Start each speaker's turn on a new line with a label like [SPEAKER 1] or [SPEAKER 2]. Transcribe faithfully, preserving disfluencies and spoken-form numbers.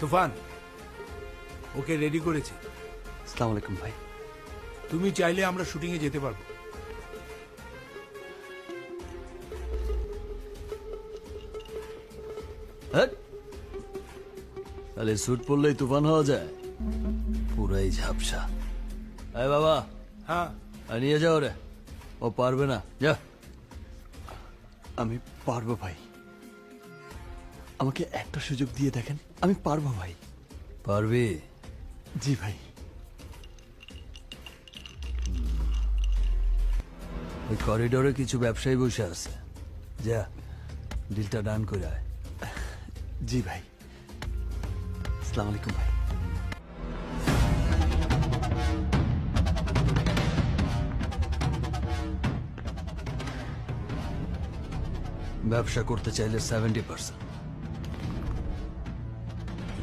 [SPEAKER 1] তুফান, okay ready করেছি।
[SPEAKER 2] আসসালামু আলাইকুম ভাই।
[SPEAKER 1] তুমি চাইলে আমরা শুটিং এ যেতে পারবো।
[SPEAKER 2] তাহলে স্যুট পরলেই তুফান হওয়া যায়? পুরাই ঝাপসা। আয় বাবা,
[SPEAKER 1] হ্যাঁ,
[SPEAKER 2] আর নিয়ে যাও রে, ও পারবে না, যা। আমি পারবো ভাই, আমাকে একটা সুযোগ দিয়ে দেখেন, আমি পারবো ভাই। পারবি? জি ভাই। ওই করিডোরে কিছু ব্যবসায়ী বসে আছে, যা ডিলটা ডান করে আয়। জি ভাই। আসসালামু আলাইকুম ভাই। ব্যবসা করতে চাইলে সেভেন্টি পার্সেন্ট,